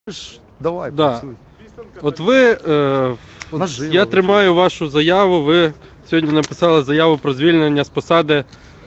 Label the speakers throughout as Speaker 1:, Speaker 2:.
Speaker 1: Давай,
Speaker 2: Да.
Speaker 1: працюй.
Speaker 2: От ви,
Speaker 1: Наживо,
Speaker 2: я тримаю вашу заяву, ви сьогодні написали заяву про звільнення з посади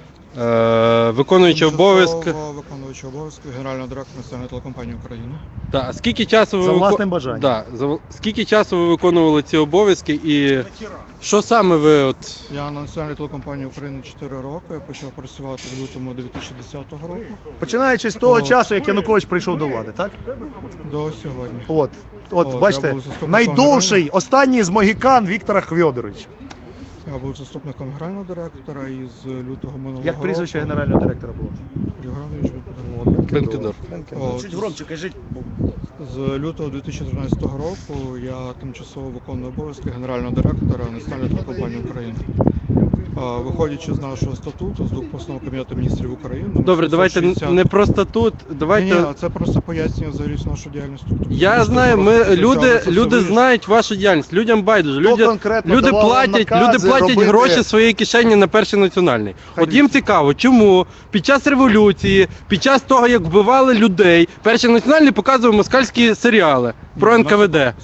Speaker 2: виконуючого обов'язки.
Speaker 3: Виконуючого обов'язки генерального директора Національної телекомпанії України.
Speaker 2: Да. Скільки часу ви
Speaker 1: За власним бажанням.
Speaker 2: Да. Скільки часу ви виконували ці обов'язки і що саме ви от...
Speaker 3: Я на Національній телекомпанії України 4 роки, я почав працювати в лютому 2010 року
Speaker 1: Починаючи з того часу, як Янукович прийшов до влади, так?
Speaker 3: до сьогодні.
Speaker 1: От
Speaker 3: Я
Speaker 1: бачите,
Speaker 3: був заступником
Speaker 1: найдовший, останній з могікан Віктора Хвьодоровича.
Speaker 3: Я був заступником генерального директора і з лютого минулого
Speaker 1: Як прізвище
Speaker 3: року.
Speaker 1: генерального директора було?
Speaker 3: Євгенович Бенкендорф.
Speaker 2: Бенкендорф.
Speaker 3: О,
Speaker 4: Чуть громче кажіть.
Speaker 3: З лютого 2013 року я тимчасово виконую обов'язки генерального директора Національної телекомпанії України. Виходячи з нашого статуту, з двох постанов Кабінету міністрів України.
Speaker 2: Добре, давайте
Speaker 3: 760.
Speaker 2: не просто тут, давайте...
Speaker 3: Ні, це просто пояснює взагалі нашу діяльність.
Speaker 2: Я знаю, люди знають вашу діяльність, людям байдуже, люди платять гроші з своєї кишені на Перший національний. От їм цікаво, чому під час революції, під час того, як вбивали людей, Перший національний показував москальські серіали про НКВД.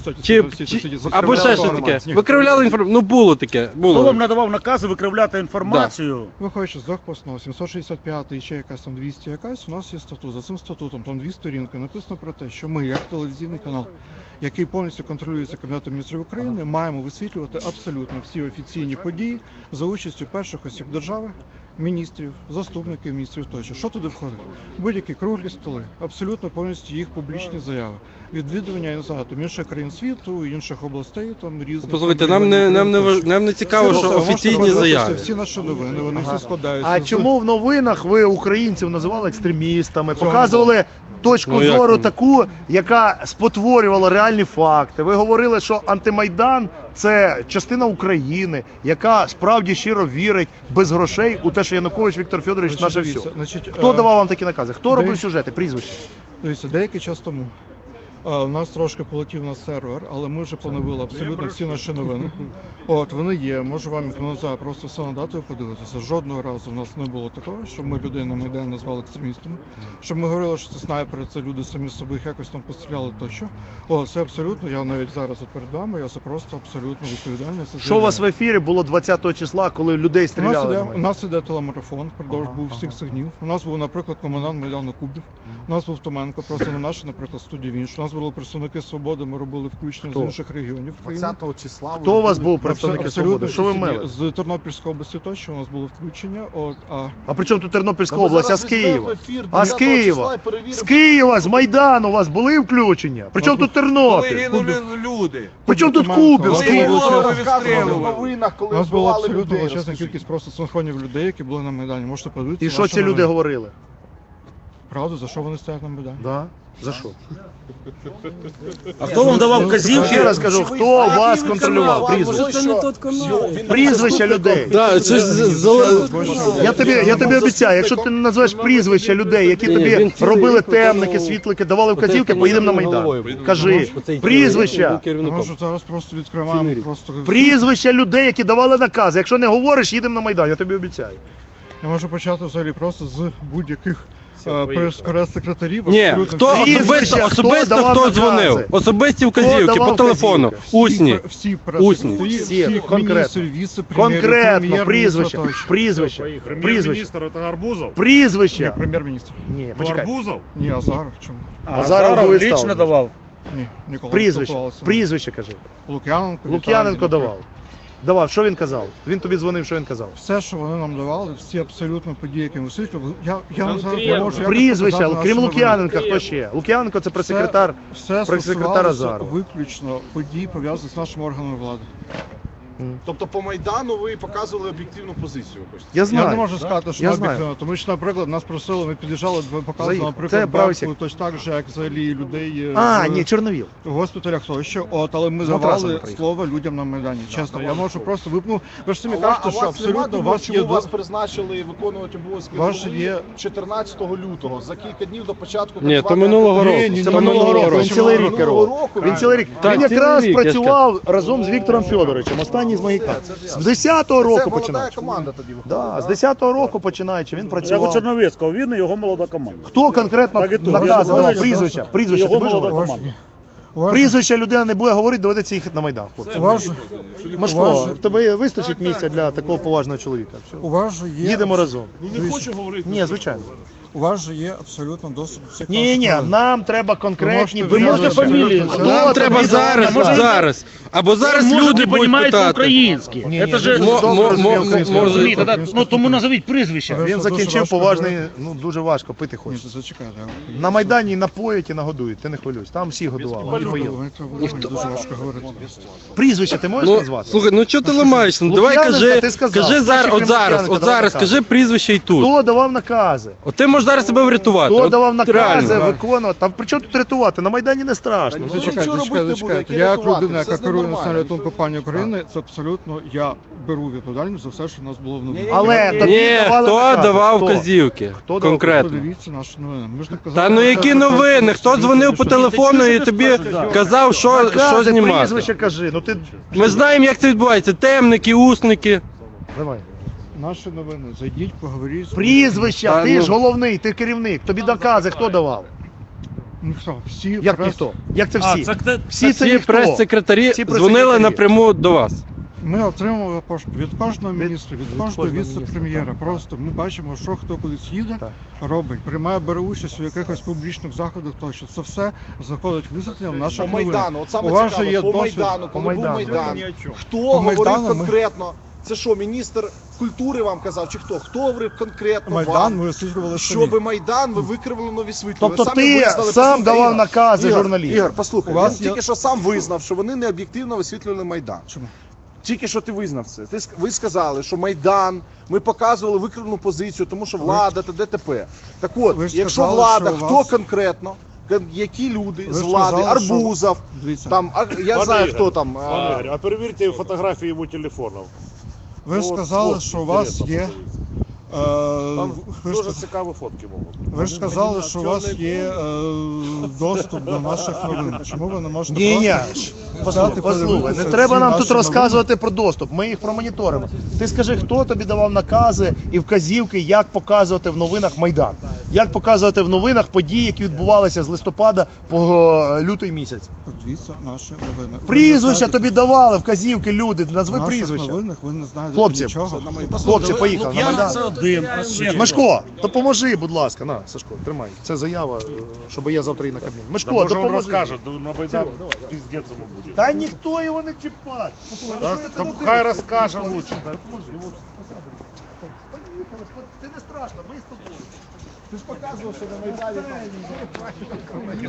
Speaker 2: Або ще щось таке. Викривляли інформацію. Ну було таке.
Speaker 4: Хто вам надавав накази викривляти інформацію?
Speaker 3: Виходячи з двох постанов, 765 і ще якась там 200 якась, у нас є статут. За цим статутом там 2 сторінки написано про те, що ми, як телевізійний канал, який повністю контролюється Кабінетом міністрів України, маємо висвітлювати абсолютно всі офіційні події за участю перших осіб держави, міністрів, заступників міністрів тощо. Що туди входить? Будь-які круглі столи, абсолютно повністю їх публічні заяви. Відвідування, я не знаю, там інших країн світу, інших областей, там різних.
Speaker 2: Послухайте, нам не цікаво, що офіційні заяви.
Speaker 3: Всі наші новини, вони всі складаються.
Speaker 1: А чому в новинах ви українців називали екстремістами, показували точку зору таку, яка спотворювала реальні факти? Ви говорили, що антимайдан – це частина України, яка справді щиро вірить без грошей у те, що Янукович Віктор Федорович наше все. Хто давав вам такі накази? Хто робив сюжети, прізвище?
Speaker 3: Дивіться, деякий час тому у нас трошки полетів на сервер, але ми вже поновили абсолютно всі наші новини. От, вони є, можу вам просто все надати і подивитися. Жодного разу в нас не було такого, щоб ми людей на Майдані назвали екстремістами, щоб ми говорили, що це снайпери, це люди самі собі їх якось там постріляли тощо. О, це абсолютно, я навіть зараз от перед вами, я це просто абсолютно відповідальний.
Speaker 1: Що у вас в ефірі було 20 числа, коли людей стріляли?
Speaker 3: У нас іде телемарафон, впродовж був всіх цих днів. У нас був, наприклад, комендант Майдану Кубів, у нас був Томенко, просто не наша, наприклад, студія Вінч. У нас були представники Свободи, ми робили включення з інших регіонів.
Speaker 4: 20 числа.
Speaker 1: Хто у вас був представники Свободи? Що ви мели?
Speaker 3: З Тернопільської області точно у нас було включення.
Speaker 1: А при чому тут Тернопільська область, а з Києва? А з Києва? З Києва, з Майдану у вас були включення? При чому тут Тернопіль?
Speaker 4: люди.
Speaker 1: При чому тут Кубів?
Speaker 3: У нас була абсолютно величезна кількість просто синхронів людей, які були на Майдані. Можете подивитися.
Speaker 1: І що ці люди говорили?
Speaker 3: Правда, за що вони стоять на Майдані?
Speaker 1: Да? За що?
Speaker 4: А хто вам давав вказівки?
Speaker 1: Ще раз кажу, хто вас контролював? Прізвище. Прізвища людей.
Speaker 2: Да, це ж
Speaker 1: Я тобі обіцяю, якщо ти не назвеш прізвища людей, які тобі робили темники, світлики, давали вказівки, поїдемо на Майдан. Кажи, прізвища.
Speaker 3: Може зараз просто відкриваємо, просто...
Speaker 1: Прізвища людей, які давали накази. Якщо не говориш, їдемо на Майдан, я тобі обіцяю.
Speaker 3: Я можу почати взагалі просто з будь-яких прес-секретарів.
Speaker 2: Ні, хто особисто хто дзвонив? Особисті вказівки по телефону. Усні.
Speaker 3: Всі
Speaker 1: конкретно. Конкретно, прізвище. Прізвище.
Speaker 5: Прем'єр-міністр це Арбузов?
Speaker 1: Прізвище.
Speaker 3: Прем'єр-міністр.
Speaker 1: Ні, почекай.
Speaker 5: Арбузов?
Speaker 3: Ні, Азаров чому?
Speaker 1: Азаров
Speaker 4: лично давав.
Speaker 3: Ні, ніколи.
Speaker 1: Прізвище кажи.
Speaker 3: Лук'яненко
Speaker 1: давав. Давав, що він казав? Він тобі дзвонив, що він казав?
Speaker 3: Все, що вони нам давали, всі абсолютно події, які ми висвітлювали. Я вам зараз не можу...
Speaker 1: Прізвище, крім Лук'яненка, хто ще? Лук'яненко це прес-секретар
Speaker 3: прес-секретар
Speaker 1: Азарова.
Speaker 3: виключно події, пов'язані з нашими органами влади.
Speaker 5: Тобто по Майдану ви показували об'єктивну позицію?
Speaker 1: Я знаю.
Speaker 3: Я не можу сказати, що об'єктивно, тому що, наприклад, нас просили, ми під'їжджали, показували, наприклад, Берку, точно так же, як взагалі людей
Speaker 1: ні, Чорновіл.
Speaker 3: в госпіталях тощо, але ми давали слово людям на Майдані. Чесно, я можу просто випнути. Ви ж самі кажете, що абсолютно
Speaker 5: вас призначили виконувати обов'язки 14 лютого, за кілька днів до початку...
Speaker 2: Ні, то минулого року.
Speaker 1: Це минулого року. Він цілий рік керував. Він якраз працював разом з Віктором Федоровичем. Останні Майдані з Магікан. З 10-го
Speaker 5: Це
Speaker 1: року
Speaker 5: молода
Speaker 1: починаючи.
Speaker 5: команда тоді виходила.
Speaker 1: Да, з 10-го року починаючи, він
Speaker 6: Як у
Speaker 1: працював.
Speaker 6: Черновецького, він і його молода команда.
Speaker 1: Хто конкретно
Speaker 6: Так і тут.
Speaker 1: наказував
Speaker 6: Я ж
Speaker 1: прізвища? Прізвища ти
Speaker 6: Його
Speaker 1: будеш
Speaker 6: молода
Speaker 1: говорити?
Speaker 6: команда.
Speaker 1: Прізвища людина не буде говорити, доведеться їхати на Майдан. хлопці.
Speaker 3: У вас же,
Speaker 1: Машко, в тебе вистачить місця для такого поважного чоловіка. Все.
Speaker 3: у вас же є,
Speaker 1: Їдемо разом.
Speaker 5: Ну не хочу говорити.
Speaker 1: Ні, звичайно.
Speaker 3: у вас же є абсолютно доступ до всіх
Speaker 1: Ні,
Speaker 3: наших
Speaker 1: ні,
Speaker 3: новин.
Speaker 1: нам треба конкретні
Speaker 3: Ви можете
Speaker 1: прізвища.
Speaker 3: фамілії
Speaker 1: Хто
Speaker 2: Нам
Speaker 1: тобі
Speaker 2: треба
Speaker 1: дав
Speaker 2: зараз,
Speaker 1: наказ?
Speaker 2: зараз. Або зараз
Speaker 7: Может,
Speaker 2: люди
Speaker 7: не
Speaker 2: будуть
Speaker 7: понимаете
Speaker 2: питати.
Speaker 7: українське.
Speaker 1: Ні,
Speaker 7: Это
Speaker 1: ні,
Speaker 7: же...
Speaker 1: він дуже добре розуміє
Speaker 2: може-
Speaker 1: українську
Speaker 2: може-
Speaker 1: мову.
Speaker 7: Ні, тогда, ну тому назовіть прізвище.
Speaker 3: Ви
Speaker 1: Він
Speaker 3: дуже
Speaker 1: закінчив
Speaker 3: важко
Speaker 1: поважний,
Speaker 3: говорите.
Speaker 1: ну дуже важко, пити
Speaker 3: Ні,
Speaker 1: хоче.
Speaker 3: зачекайте.
Speaker 1: На Майдані і напоять, і нагодують, ти не хвилюйся. Там всі годували. і поїли.
Speaker 3: Мені дуже важко говорити.
Speaker 1: Прізвище ти можеш
Speaker 2: Ну,
Speaker 1: назвати?
Speaker 2: слухай, ну чого ти ламаєшся? Ну давай
Speaker 1: Лук'яненка,
Speaker 2: кажи,
Speaker 1: ти сказав.
Speaker 2: кажи зараз,
Speaker 1: Перший
Speaker 2: от зараз,
Speaker 1: Лук'яненка
Speaker 2: от
Speaker 1: давав
Speaker 2: зараз,
Speaker 1: наказ.
Speaker 2: кажи прізвище і тут.
Speaker 1: Хто давав накази?
Speaker 2: От ти можеш зараз себе врятувати.
Speaker 1: Хто
Speaker 2: От
Speaker 1: давав накази
Speaker 2: реально.
Speaker 1: виконувати? Там при чому тут рятувати? На Майдані не страшно.
Speaker 5: Ну,
Speaker 3: Зачекайте,
Speaker 5: нічого робити не буде,
Speaker 3: зачекайте.
Speaker 5: яке
Speaker 3: Я як
Speaker 5: рятувати,
Speaker 3: людина,
Speaker 5: це
Speaker 3: яка
Speaker 5: з ним
Speaker 3: керує
Speaker 5: нормально.
Speaker 3: національною телекомпанією України, це абсолютно я беру відповідальність за все, що в нас було в новинах.
Speaker 1: Але тобі
Speaker 2: Ні,
Speaker 1: давали
Speaker 2: хто
Speaker 1: накази.
Speaker 2: давав
Speaker 1: Хто?
Speaker 2: вказівки?
Speaker 1: Хто давав?
Speaker 2: Конкретно.
Speaker 3: Подивіться наші новини. Ми ж не казали,
Speaker 2: Та ну які
Speaker 3: що
Speaker 2: новини? Хто
Speaker 3: це
Speaker 2: дзвонив по
Speaker 3: що-
Speaker 2: телефону і тобі казав, що
Speaker 1: Накази,
Speaker 2: знімати?
Speaker 1: прізвище кажи. Ну ти
Speaker 2: Ми знаємо, як це відбувається. Темники, усники.
Speaker 1: давай.
Speaker 3: Наші новини. Зайдіть, поговоріть. з-
Speaker 1: Прізвища,
Speaker 2: Та
Speaker 1: ти
Speaker 2: ну.
Speaker 1: ж головний, ти керівник. Тобі накази хто давав?
Speaker 3: Ніхто. Всі
Speaker 1: Як
Speaker 3: прес-
Speaker 1: ніхто? Як це всі?
Speaker 6: це
Speaker 1: Всі це
Speaker 2: Всі
Speaker 1: ніхто.
Speaker 2: прес-секретарі
Speaker 1: Всі
Speaker 2: дзвонили
Speaker 1: прес-секретарі.
Speaker 2: напряму до вас.
Speaker 3: Ми отримали пошту від кожного міністра, від кожного віце-прем'єра. Просто ми бачимо, що хто кудись їде,
Speaker 1: Так.
Speaker 3: робить, приймає, бере участь у якихось публічних заходах, тощо це все заходить висвітлення в
Speaker 5: По
Speaker 3: наших новинах.
Speaker 5: Майдану, от саме
Speaker 3: У вас
Speaker 5: цікаво,
Speaker 3: же є
Speaker 5: по
Speaker 3: досвід.
Speaker 5: Майдану,
Speaker 1: По
Speaker 5: коли був
Speaker 1: Майдану.
Speaker 5: Майдан, хто
Speaker 3: По
Speaker 5: говорив
Speaker 3: Майдану ми-
Speaker 5: конкретно? Це що, міністр культури вам казав, чи хто? Хто говорив конкретно
Speaker 3: Майдан
Speaker 5: вам?
Speaker 3: ми висвітлювали самі.
Speaker 5: Щоби Майдан ви викривлено висвітлювали.
Speaker 1: Тобто
Speaker 5: Самі
Speaker 1: ти
Speaker 5: визнали,
Speaker 1: сам
Speaker 5: послухай,
Speaker 1: давав
Speaker 5: Ігор,
Speaker 1: накази
Speaker 5: Ігор,
Speaker 1: журналістам.
Speaker 5: Ігор, послухай,
Speaker 3: У вас
Speaker 5: він
Speaker 3: є-
Speaker 5: тільки що сам визнав, що вони не об'єктивно висвітлювали Майдан.
Speaker 3: Чому?
Speaker 5: Тільки що ти визнав це. Ви сказали, що Майдан, ми показували викривлену позицію, тому що влада та ДТП. Так от,
Speaker 3: Ви ж
Speaker 5: якщо
Speaker 3: сказали,
Speaker 5: влада,
Speaker 3: що у
Speaker 5: хто
Speaker 3: вас-
Speaker 5: конкретно, які люди
Speaker 3: Ви
Speaker 5: з
Speaker 3: ж
Speaker 5: влади,
Speaker 3: сказали, що-
Speaker 5: Арбузов,
Speaker 3: Дивіться,
Speaker 5: там, я
Speaker 6: Пане
Speaker 5: знаю,
Speaker 6: Ігор,
Speaker 5: хто там.
Speaker 6: Пане Ігор, а перевірте фотографії його телефону.
Speaker 3: ви
Speaker 6: От,
Speaker 3: сказали,
Speaker 6: от,
Speaker 3: що у вас
Speaker 6: інтересно
Speaker 3: є.
Speaker 6: подивіться. Там
Speaker 3: Ви ж,
Speaker 6: дуже цікаві фотки можуть.
Speaker 3: ви ж сказали, що у вас є доступ до наших новин. Чому ви не можете
Speaker 1: Ні, ні.
Speaker 3: взяти,
Speaker 1: Послухай, не
Speaker 3: подивитися
Speaker 1: треба
Speaker 3: всі
Speaker 1: нам
Speaker 3: наші
Speaker 1: тут розказувати про доступ. Ми їх промоніторимо. Ти скажи, хто тобі давав накази і вказівки, як показувати в новинах Майдан, як показувати в новинах події, які відбувалися з листопада по лютий місяць.
Speaker 3: Подивіться наші новини.
Speaker 1: Прізвища тобі давали, вказівки, люди, назви
Speaker 3: В наших
Speaker 1: прізвища.
Speaker 3: новинах ви не знаєте
Speaker 1: Хлопці,
Speaker 3: нічого.
Speaker 1: Хлопці, поїхали на Майдан.
Speaker 7: Це один.
Speaker 1: Мишко, допоможи, будь ласка. На, Сашко, тримай. Це заява, щоб я завтра і на Кабмін. Мишко,
Speaker 6: Може вам
Speaker 1: допоможи.
Speaker 6: розкажуть, на Майдан піздець йому буде.
Speaker 1: Та ніхто його не чіпає.
Speaker 6: Так, хай розкаже лучше.
Speaker 1: Ти не страшно, ми з тобою. Ти ж показував, що на Майдані.